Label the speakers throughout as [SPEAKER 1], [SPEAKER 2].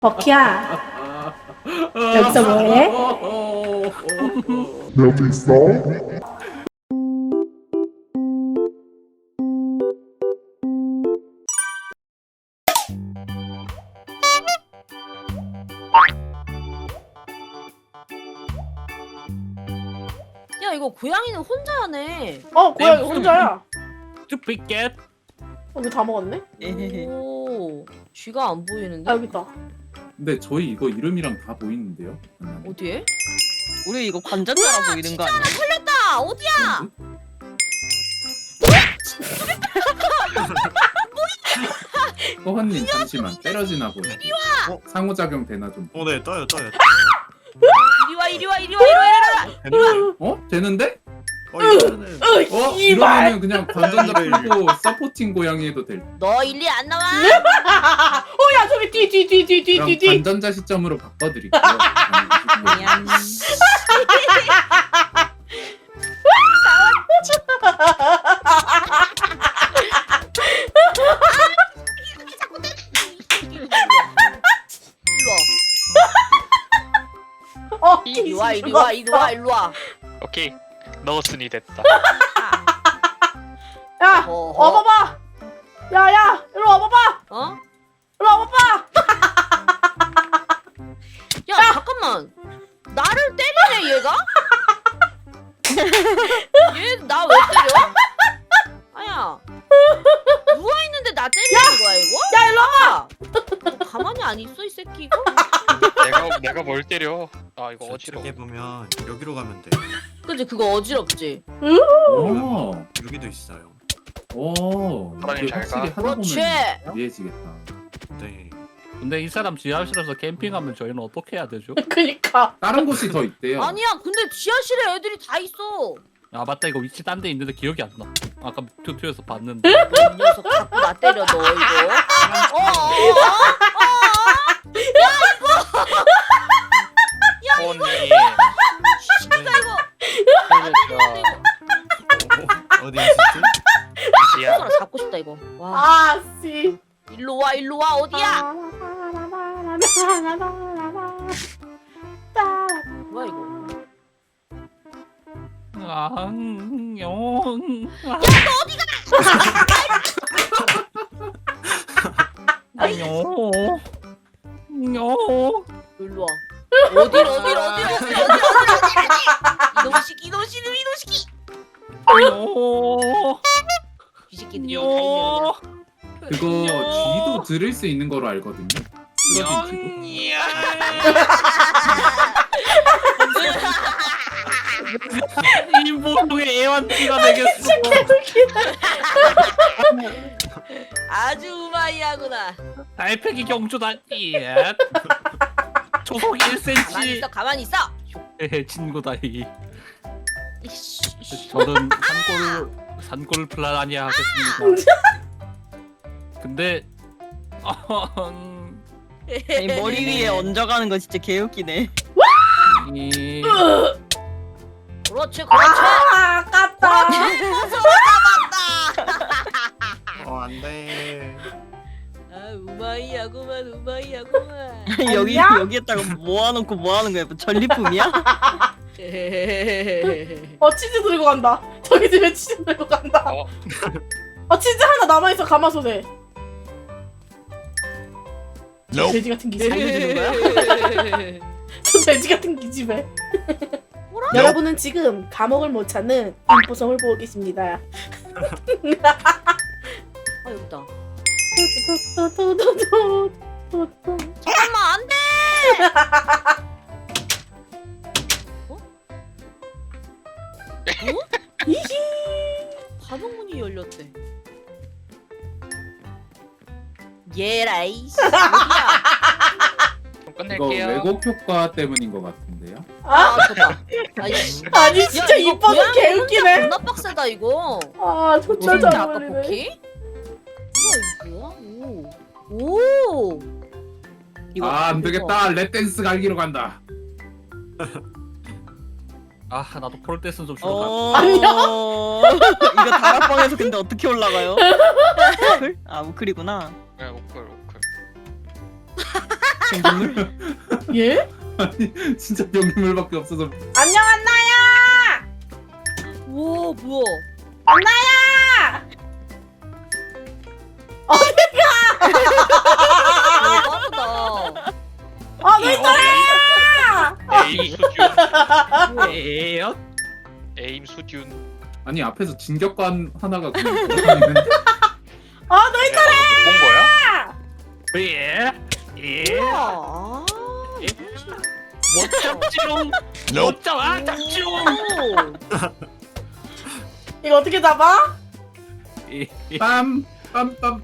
[SPEAKER 1] 버키야, 여기서 뭐해?
[SPEAKER 2] 여기 있어?
[SPEAKER 3] 야 이거 고양이는 혼자 하네.
[SPEAKER 1] 고양이 혼자야.
[SPEAKER 4] 쭈삐켓.
[SPEAKER 1] 여기 다 먹었네?
[SPEAKER 3] 오, 쥐가 안 보이는데?
[SPEAKER 1] 아, 여기 있다.
[SPEAKER 5] 근데 저희 이거 이름이랑 다 보이는데요?
[SPEAKER 3] 어디에?
[SPEAKER 6] 우리 이거 관전자라 보이는 거 아니야?
[SPEAKER 3] 털렸다. 어디야?
[SPEAKER 5] 허헌님 잠시만 때려지나 보네. 상호작용 되나 좀.
[SPEAKER 7] 네, 떠요.
[SPEAKER 3] 이리 와 이리 와 이리 와 이리 와 이리 와.
[SPEAKER 5] 어? 되는데?
[SPEAKER 7] 이거는
[SPEAKER 5] 이러면은 그냥 관전자 풀고 서포팅 고양이 해도 될.
[SPEAKER 3] 너 일리 안 나와?
[SPEAKER 1] 야, 저기
[SPEAKER 5] 그럼
[SPEAKER 1] 뒤.
[SPEAKER 5] 관전자 시점으로 바꿔드릴게요.
[SPEAKER 3] 미안. 이리 와 이리 와 이리 와 이리 와.
[SPEAKER 4] 오케이. 넣었으니 됐다.
[SPEAKER 1] 야,
[SPEAKER 3] 어허.
[SPEAKER 1] 와봐봐. 야, 이리 와봐봐.
[SPEAKER 3] 어?
[SPEAKER 1] 이리 와봐봐.
[SPEAKER 3] 야 잠깐만. 나를 때리네 얘가? 얘 나 왜 때려? 아야. 누워 있는데 나 때리는 거야 이거?
[SPEAKER 1] 야, 일로 와봐.
[SPEAKER 3] 너 가만히 안 있어 이 새끼 이거?
[SPEAKER 4] 내가 뭘 때려? 아 이거 어지러워.
[SPEAKER 7] 저쪽에 보면 여기로 가면 돼.
[SPEAKER 3] 그치 그거 어지럽지?
[SPEAKER 5] 오,
[SPEAKER 7] 여기도 있어요.
[SPEAKER 5] 오.
[SPEAKER 4] 사장님
[SPEAKER 5] 이게
[SPEAKER 4] 잘
[SPEAKER 5] 확실히
[SPEAKER 4] 가.
[SPEAKER 5] 하다
[SPEAKER 3] 그렇지.
[SPEAKER 5] 보면 이해지겠다.
[SPEAKER 7] 네.
[SPEAKER 4] 근데 이 사람 지하실에서 캠핑하면 저희는 어떻게 해야 되죠?
[SPEAKER 1] 그니까.
[SPEAKER 5] 다른 곳이 더 있대요.
[SPEAKER 3] 아니야 근데 지하실에 애들이 다 있어.
[SPEAKER 4] 아 맞다 이거 위치 딴 데 있는데 기억이 안 나. 아까 튜토에서 봤는데.
[SPEAKER 3] 이 녀석 자꾸 나 때려 너 이거.
[SPEAKER 4] 언니.
[SPEAKER 3] 시키다 이거.
[SPEAKER 7] 어디 있었지?
[SPEAKER 4] 야.
[SPEAKER 3] 손가락 잡고 싶다 이거. 와
[SPEAKER 1] 아, 씨.
[SPEAKER 3] 일로 와 어디야? 뭐야 이거?
[SPEAKER 4] 안녕. 안녕. 안녕.
[SPEAKER 3] 일로 와. 어딜 이놈시키
[SPEAKER 4] 안녕.
[SPEAKER 3] 이 새끼들이 여기 다 있네
[SPEAKER 4] 안녕.
[SPEAKER 5] 그거 쥐도 들을 수 있는 거로 알거든요. 쓰러진 쥐도.
[SPEAKER 4] 이 모종의 애완띠가 되겠어.
[SPEAKER 3] 아주 우마이하구나.
[SPEAKER 4] 달팽이 경주다. 예. 초속
[SPEAKER 3] 가만히
[SPEAKER 4] 1cm.
[SPEAKER 3] 있어 가만히 있어.
[SPEAKER 4] 친구다 이.
[SPEAKER 3] 이씨.
[SPEAKER 4] 저는 산골 플라니아 하겠습니다. 근데
[SPEAKER 6] 아니, 머리 위에 얹어가는 거 진짜 개웃기네.
[SPEAKER 4] 이
[SPEAKER 3] 그렇지
[SPEAKER 1] 아, 아깝다.
[SPEAKER 7] 안 돼.
[SPEAKER 3] 아 우마이하구만
[SPEAKER 6] 여기에다가 모아놓고 뭐하는 거야? 뭐 전리품이야?
[SPEAKER 1] 치즈 들고 간다. 저기 집에 치즈 들고 간다. 치즈 하나 남아있어, 가마솥에. 돼지 같은 기집애.
[SPEAKER 6] 알려주는 거야?
[SPEAKER 1] 저 돼지 같은 기집애. 여러분은 지금 감옥을 못 찾는 인포성을 보고 계십니다.
[SPEAKER 3] 아 여기다. 잠깐만 안돼. 감옥 문이 열렸대. 예라이씨.
[SPEAKER 4] 좀
[SPEAKER 5] 이거
[SPEAKER 4] 끝낼게요.
[SPEAKER 5] 왜곡 효과 때문인 것 같은데요.
[SPEAKER 3] 아 좋다. 아이씨.
[SPEAKER 1] 아니, 진짜
[SPEAKER 3] 이거
[SPEAKER 1] 이뻐서
[SPEAKER 3] 고양이
[SPEAKER 1] 개웃기네.
[SPEAKER 3] 존나 빡세다 이거.
[SPEAKER 1] 아, 진짜
[SPEAKER 3] 진짜
[SPEAKER 1] 잘
[SPEAKER 3] 아까
[SPEAKER 1] 어울리네.
[SPEAKER 3] 복희? 뭐야 이거? 오.
[SPEAKER 6] 이거
[SPEAKER 5] 안 되겠다. 랩댄스 갈기로 간다.
[SPEAKER 4] 아 나도 폴댄스 좀 쉬러 가.
[SPEAKER 6] 안녕. 이거 다락방에서 근데 어떻게 올라가요? 우클? 아 우클이구나.
[SPEAKER 4] 오클.
[SPEAKER 6] 생동물?
[SPEAKER 1] 예?
[SPEAKER 5] 아니 진짜 병물밖에 없어서.
[SPEAKER 1] 안녕 안나야.
[SPEAKER 3] 우와 뭐야?
[SPEAKER 1] 안나야.
[SPEAKER 3] 빠르다.
[SPEAKER 1] 너 있더라.
[SPEAKER 2] 에임 수준.
[SPEAKER 4] 에요?
[SPEAKER 2] 에임 수준.
[SPEAKER 5] 아니 앞에서 진격관 하나가 그냥 돌아다니는데.
[SPEAKER 1] 너 있더라.
[SPEAKER 2] 본 거야?
[SPEAKER 4] 예? 예?
[SPEAKER 3] 우와.
[SPEAKER 4] 못 잡지롱. 못 잡아 잡지롱.
[SPEAKER 1] 이거 어떻게 잡아?
[SPEAKER 4] 예.
[SPEAKER 5] 빰빰빰.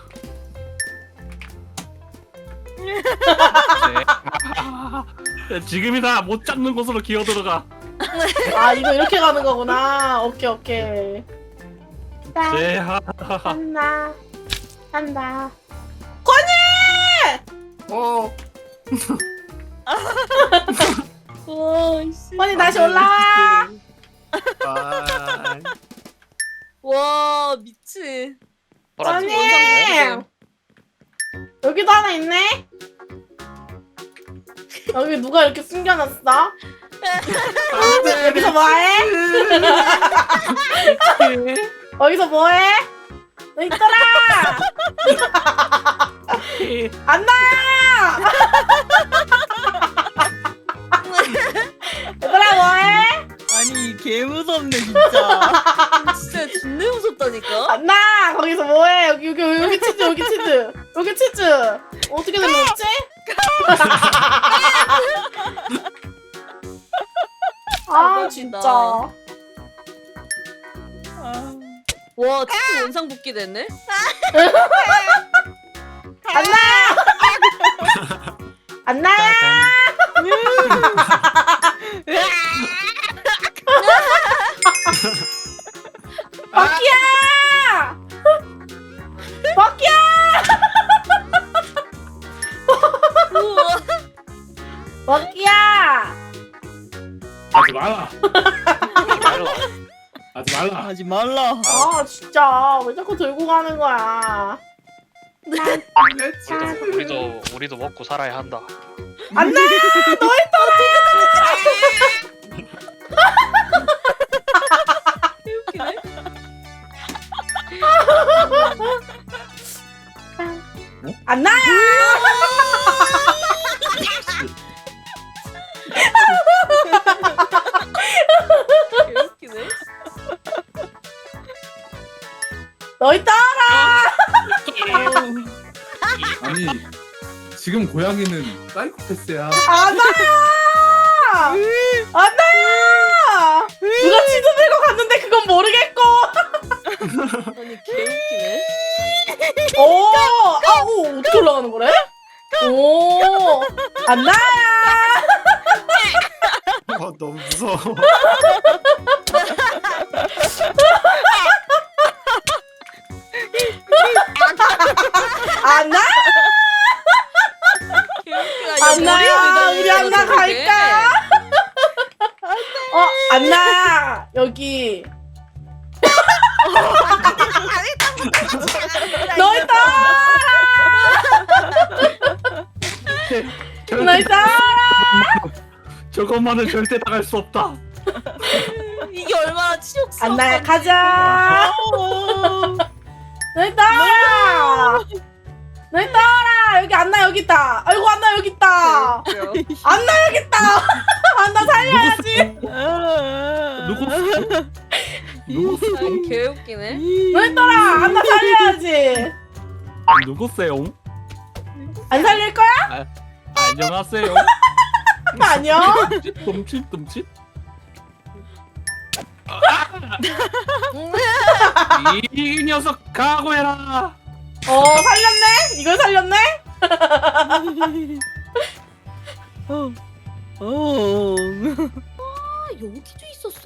[SPEAKER 4] 네. 지금이다. 못 잡는 곳으로 기어 들어가.
[SPEAKER 1] 이거 이렇게 가는 거구나. 오케이.
[SPEAKER 4] 네.
[SPEAKER 1] 한다. 한다.
[SPEAKER 7] 어.
[SPEAKER 1] 건이 다시 올라와.
[SPEAKER 7] 아.
[SPEAKER 3] 와 미친.
[SPEAKER 2] 노란색
[SPEAKER 1] 건이.
[SPEAKER 2] 원상
[SPEAKER 1] 여기도 하나 있네. 여기 누가 이렇게 숨겨놨어? 여기서 뭐해? 여기서 뭐해? 너 있더라. 안나야. 얘들아 뭐해?
[SPEAKER 6] 아니 개 무섭네 진짜.
[SPEAKER 3] 진짜 존나 무섭다니까.
[SPEAKER 1] 안나 거기서 뭐해? 여기 치즈 여기 치즈 어떻게 들렸지? 진짜.
[SPEAKER 3] 와 진짜 원상 복귀 됐네.
[SPEAKER 1] 안나야. 버키야. 버키야.
[SPEAKER 3] 우와.
[SPEAKER 1] 버키야.
[SPEAKER 5] 하지 마라.
[SPEAKER 2] 말라.
[SPEAKER 5] 하지 말라.
[SPEAKER 6] 하지 말라.
[SPEAKER 1] 진짜 왜 자꾸 들고 가는 거야?
[SPEAKER 2] 우리도 먹고 살아야 한다.
[SPEAKER 1] 안나 너
[SPEAKER 3] 웃기네.
[SPEAKER 1] 안나야.
[SPEAKER 3] 웃기네.
[SPEAKER 1] 너 있다라.
[SPEAKER 5] 아니 지금 고양이는 사이코패스야.
[SPEAKER 1] 안나야. 안나야. 누가 치즈 들고 갔는데 그건 모르겠고.
[SPEAKER 3] 아니 개 웃기네.
[SPEAKER 1] 오 어떻게 올라가는 거래? 오 안나야.
[SPEAKER 7] 너무 무서워.
[SPEAKER 1] 안나.
[SPEAKER 3] 개 웃기다.
[SPEAKER 1] 안나야 우리 안나 갈까? 안나 여기. 너 있다. 너 있다.
[SPEAKER 4] 저것만은 절대 나갈 수 없다.
[SPEAKER 3] 이게 얼마나 치욕스러워.
[SPEAKER 1] 안나야 가자. 너 있다. 너 있다. 여기 안나 여기 있다. 아이고 안나 여기 있다. 안나 여기 있다. 안나 살려야지.
[SPEAKER 4] 누구?
[SPEAKER 3] 개 웃기네.
[SPEAKER 1] 너 있더라. 안나 살려야지.
[SPEAKER 4] 누구세요?
[SPEAKER 1] 안 살릴 거야?
[SPEAKER 4] 안녕하세요.
[SPEAKER 1] 안녕.
[SPEAKER 4] 둠칫. 이 녀석 각오해라.
[SPEAKER 1] 살렸네. 이걸 살렸네.
[SPEAKER 3] 여기도 있었어.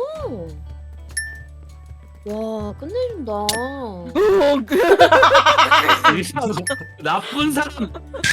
[SPEAKER 3] 와 끝내준다.
[SPEAKER 4] 나쁜 사람.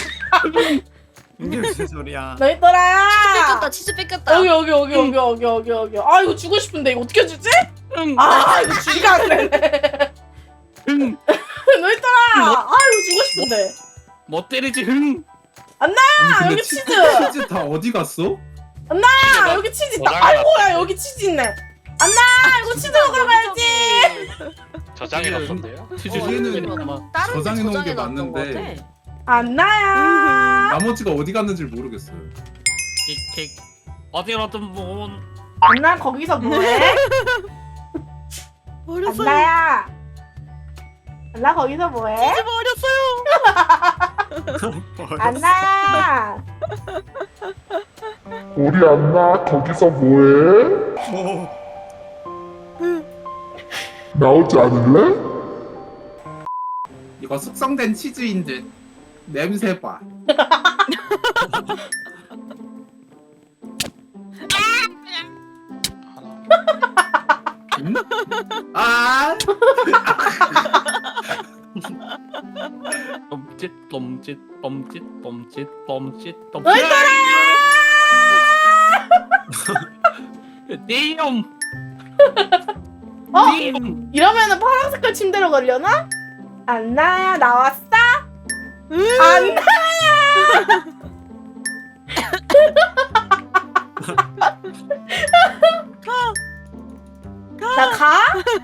[SPEAKER 7] 이게 무슨 소리야?
[SPEAKER 1] 너 있더라.
[SPEAKER 3] 뺏겼다. 치즈 뺏겼다.
[SPEAKER 1] 여기. 이거 주고 싶은데 이거 어떻게 주지?
[SPEAKER 4] 응.
[SPEAKER 1] 이거 주기가 안 되네.
[SPEAKER 4] 흥.
[SPEAKER 1] 너 있더라. 이거 주고 싶은데.
[SPEAKER 4] 못 때리지 흥.
[SPEAKER 5] 아니 근데
[SPEAKER 1] 여기 치즈.
[SPEAKER 5] 치즈 다 어디 갔어?
[SPEAKER 1] 아, 여기 치즈 있다. 아이고야, 여기 치즈 있네. 안나, 이거 치즈 먹으러 가야지.
[SPEAKER 2] 저장해 놨었네요.
[SPEAKER 4] 치즈
[SPEAKER 5] 얘는
[SPEAKER 4] 아마
[SPEAKER 3] 다른
[SPEAKER 5] 저장해 놓은 게
[SPEAKER 3] 저장해놨던 것
[SPEAKER 5] 맞는데.
[SPEAKER 3] 같아.
[SPEAKER 1] 안나야.
[SPEAKER 5] 나머지가 어디 갔는지 모르겠어요.
[SPEAKER 4] 킥킥 어디로든 뭐
[SPEAKER 1] 안나, 거기서 뭐해?
[SPEAKER 6] 버렸어요.
[SPEAKER 1] 안나야. 안나, 거기서 뭐해?
[SPEAKER 6] 버렸어요.
[SPEAKER 1] 안나야.
[SPEAKER 8] 우리 안나 거기서 뭐해?
[SPEAKER 7] 오.
[SPEAKER 8] 나오지 않을래?
[SPEAKER 5] 이거 숙성된 치즈인 듯. 냄새 봐. 음? 아!
[SPEAKER 4] 똠짓 똠짓 똠짓 똠짓 똠짓 똠짓 띠용
[SPEAKER 1] 어?
[SPEAKER 4] 띠용
[SPEAKER 1] 이러면은 파란 색깔 침대로 걸려나? 안나야, 나왔어? 안나야. 나 가?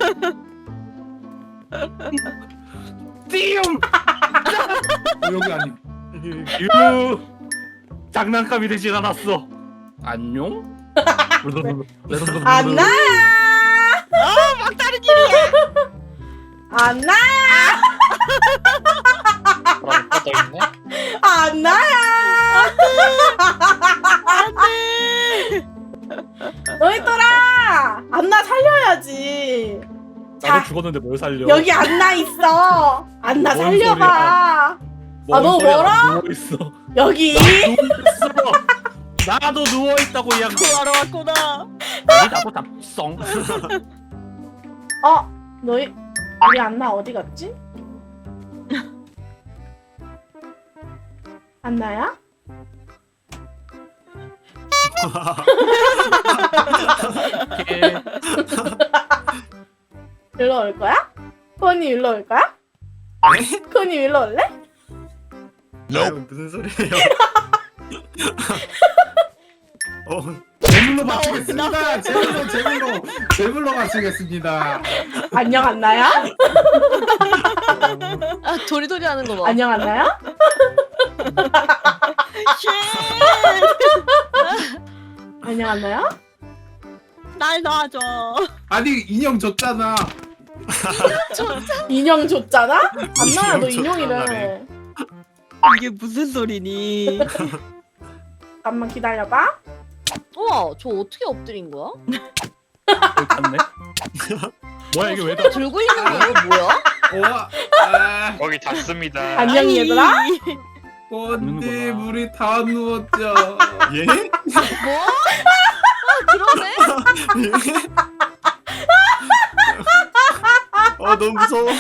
[SPEAKER 4] 띠용
[SPEAKER 5] 여기 아니.
[SPEAKER 4] 유 장난감이 되진 않았어 안녕
[SPEAKER 1] 안나야.
[SPEAKER 6] 막다른 길이야.
[SPEAKER 1] 안나야.
[SPEAKER 2] 그럼 또 있네.
[SPEAKER 1] 안나야.
[SPEAKER 6] 안돼.
[SPEAKER 1] 너희들아, 안나 살려야지. 자,
[SPEAKER 4] 나도 죽었는데 뭘 살려
[SPEAKER 1] 여기 안나 있어. 안나
[SPEAKER 4] 뭔
[SPEAKER 1] 살려봐.
[SPEAKER 4] 뭔
[SPEAKER 1] 너
[SPEAKER 4] 소리야,
[SPEAKER 1] 멀어?
[SPEAKER 4] 나 누워있어
[SPEAKER 1] 여기.
[SPEAKER 4] 나도 누워있다고 이 양반
[SPEAKER 6] 구하러 왔구나.
[SPEAKER 4] 나도 잡성
[SPEAKER 1] 너희 우리 안나 어디 갔지? 안나야? 일로 올 거야? 코니 일로 올 거야? 코니 일로 올래?
[SPEAKER 7] 아유, 무슨 소리예요?
[SPEAKER 5] 제물로 바치겠습니다. 제물로 바치겠습니다.
[SPEAKER 1] 안녕 안나야?
[SPEAKER 3] 아 도리도리 하는 거 봐.
[SPEAKER 1] 안녕 안나야? 안녕 안나야?
[SPEAKER 6] 날 놔줘.
[SPEAKER 5] 아니 인형 줬잖아.
[SPEAKER 1] 인형 줬잖아? 안나야 너 인형이래.
[SPEAKER 6] 이게 무슨 소리니?
[SPEAKER 1] 잠깐만 기다려봐.
[SPEAKER 3] 우와 저 어떻게 엎드린 거야?
[SPEAKER 4] 갔네 뭐야 이게 왜 다
[SPEAKER 3] 들고 있는 거 이거 뭐야?
[SPEAKER 5] 와, 아,
[SPEAKER 2] 거기 닿습니다.
[SPEAKER 1] 안녕 얘들아.
[SPEAKER 5] 언니 우리 다 누웠죠.
[SPEAKER 7] 예?
[SPEAKER 3] 뭐? 아 그러네?
[SPEAKER 7] 예? 너무 무서워.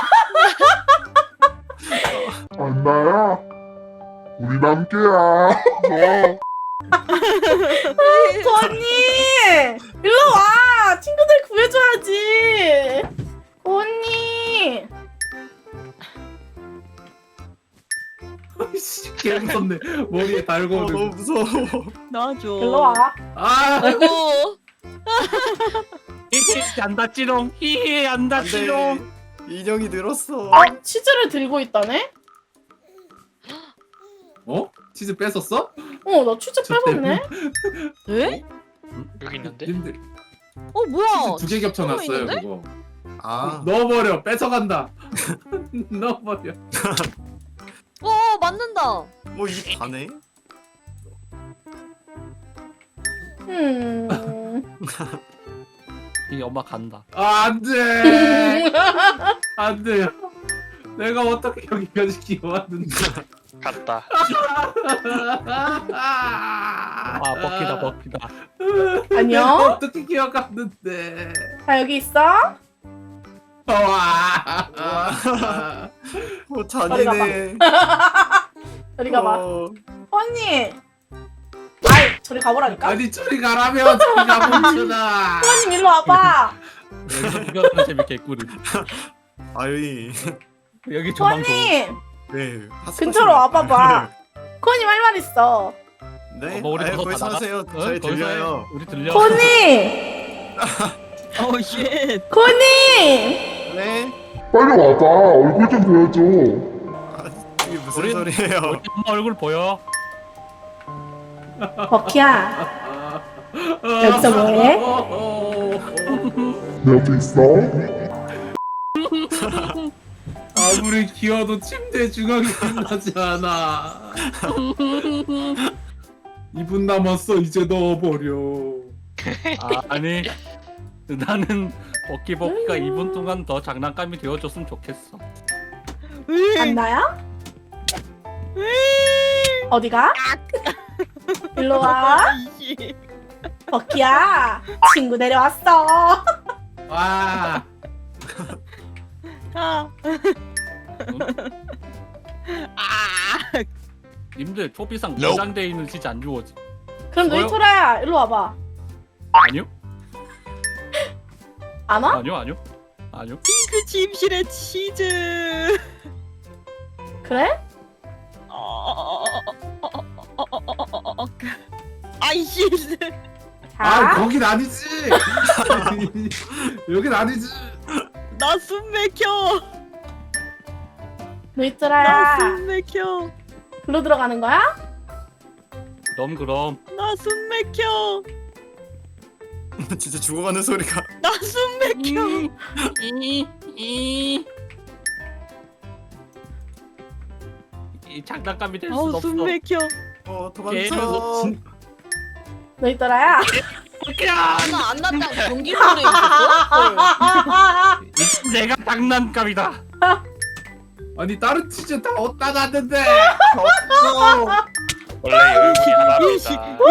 [SPEAKER 8] 안나야 우리 남캐야. 너
[SPEAKER 1] 코니 일로 와. 친구들 구해줘야지. 코니.
[SPEAKER 5] 개 무섭네. 머리에 달고
[SPEAKER 7] 너무
[SPEAKER 5] 오는.
[SPEAKER 7] 무서워.
[SPEAKER 6] 놔줘.
[SPEAKER 1] 일로 와.
[SPEAKER 5] 아,
[SPEAKER 3] 아이고
[SPEAKER 4] 히히 안 닿지롱 히히 안
[SPEAKER 7] 안
[SPEAKER 4] 닿지롱
[SPEAKER 7] 돼. 인형이 늘었어.
[SPEAKER 1] 치즈를 들고 있다네?
[SPEAKER 5] 어? 치즈 뺏었어?
[SPEAKER 1] 나 치즈
[SPEAKER 5] 저
[SPEAKER 1] 뺏었네.
[SPEAKER 3] 에?
[SPEAKER 2] 여기 있는데.
[SPEAKER 5] 님들
[SPEAKER 3] 어 뭐야?
[SPEAKER 5] 치즈 2개 겹쳐놨어요
[SPEAKER 3] 있는데?
[SPEAKER 5] 그거.
[SPEAKER 7] 아,
[SPEAKER 5] 넣어버려. 뺏어간다. 넣어버려.
[SPEAKER 3] 어 맞는다.
[SPEAKER 7] 뭐 이 반에?
[SPEAKER 4] 이 엄마 간다
[SPEAKER 5] 아, 안돼. 안돼. 내가 어떻게 여기까지 기어왔는데.
[SPEAKER 2] 갔다.
[SPEAKER 4] 아 먹히다
[SPEAKER 5] 내가
[SPEAKER 1] 안녕.
[SPEAKER 5] 어떻게 기어갔는데.
[SPEAKER 1] 자 여기 있어.
[SPEAKER 5] 와.
[SPEAKER 7] 잔인해.
[SPEAKER 1] 저리 가봐.
[SPEAKER 7] 어,
[SPEAKER 1] 코니. 아이 저리 가보라니까.
[SPEAKER 5] 아니 저리 가라며. 저리 가보잖아.
[SPEAKER 1] 코니 일로 와봐.
[SPEAKER 4] 이거는 재밌게 꾸리
[SPEAKER 7] 아유,
[SPEAKER 4] 여기 조망 좋은
[SPEAKER 1] 코니
[SPEAKER 7] 네.
[SPEAKER 1] 근처로 와봐봐. 코니 말 있어.
[SPEAKER 7] 네?
[SPEAKER 4] 뭐 우리
[SPEAKER 7] 거기
[SPEAKER 4] 다 나가-
[SPEAKER 7] 서세요.
[SPEAKER 4] 어?
[SPEAKER 7] 저희
[SPEAKER 4] 거기서 해.
[SPEAKER 7] 들려요.
[SPEAKER 4] 우리 들려.
[SPEAKER 1] 코니!
[SPEAKER 6] 오 쉣.
[SPEAKER 1] 코니!
[SPEAKER 7] 네?
[SPEAKER 8] 빨리 와봐. 얼굴 좀 보여줘.
[SPEAKER 7] 이게 무슨
[SPEAKER 4] 우리-
[SPEAKER 7] 소리예요?
[SPEAKER 4] 우리 엄마 얼굴 보여.
[SPEAKER 1] 버키야, 여기서 뭐해?
[SPEAKER 8] 내 옆에 있어?
[SPEAKER 5] 아무리 기어도 침대 중앙이 끝나지 않아. 2분 남았어. 이제 넣어버려.
[SPEAKER 4] 아니 나는 버키가 2분 동안 더 장난감이 되어줬으면 좋겠어.
[SPEAKER 1] 안나야? 어디가? 일로 와.
[SPEAKER 6] 아이씨.
[SPEAKER 1] 버키야, 친구 내려왔어.
[SPEAKER 5] 와.
[SPEAKER 6] 아.
[SPEAKER 4] 님들 초비상 보장돼 있는 시지 안 주워지.
[SPEAKER 1] 그럼
[SPEAKER 4] 뭐요?
[SPEAKER 1] 노이토라야, 일로 와봐.
[SPEAKER 4] 아니요?
[SPEAKER 1] 안 와?
[SPEAKER 4] 아니요.
[SPEAKER 6] 핑크 침실의 치즈.
[SPEAKER 1] 그래?
[SPEAKER 6] 아이씨.
[SPEAKER 5] 아
[SPEAKER 1] 자,
[SPEAKER 5] 거긴 아니지. 여긴 아니지.
[SPEAKER 6] 나 숨 막혀. 나
[SPEAKER 1] 노이토라야,
[SPEAKER 6] 숨 막혀.
[SPEAKER 1] 글로 들어가는 거야?
[SPEAKER 4] 그럼
[SPEAKER 6] 나 숨 막혀.
[SPEAKER 7] 진짜 죽어가는 소리가.
[SPEAKER 6] 나 숨 막혀.
[SPEAKER 4] 이 장난감이 될 순
[SPEAKER 6] 아우
[SPEAKER 4] 없어.
[SPEAKER 6] 숨 막혀.
[SPEAKER 7] 도망쳐.
[SPEAKER 1] 노이토라야.
[SPEAKER 3] 아나 안 났다. 경기물에 있었어?
[SPEAKER 4] 이 내가 장난감이다.
[SPEAKER 5] 아니 다른 치즈 다 어디다 놨는데.
[SPEAKER 2] 원래 열분이
[SPEAKER 6] 이씨,
[SPEAKER 2] 하나입니다.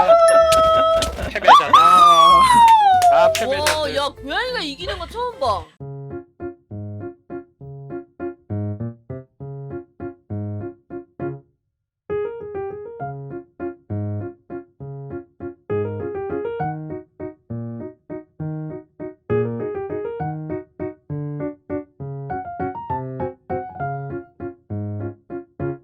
[SPEAKER 2] 아, 패배자네.
[SPEAKER 7] 아,
[SPEAKER 2] 아, 패배자네.
[SPEAKER 3] 와, 야 고양이가 이기는 거 처음 봐.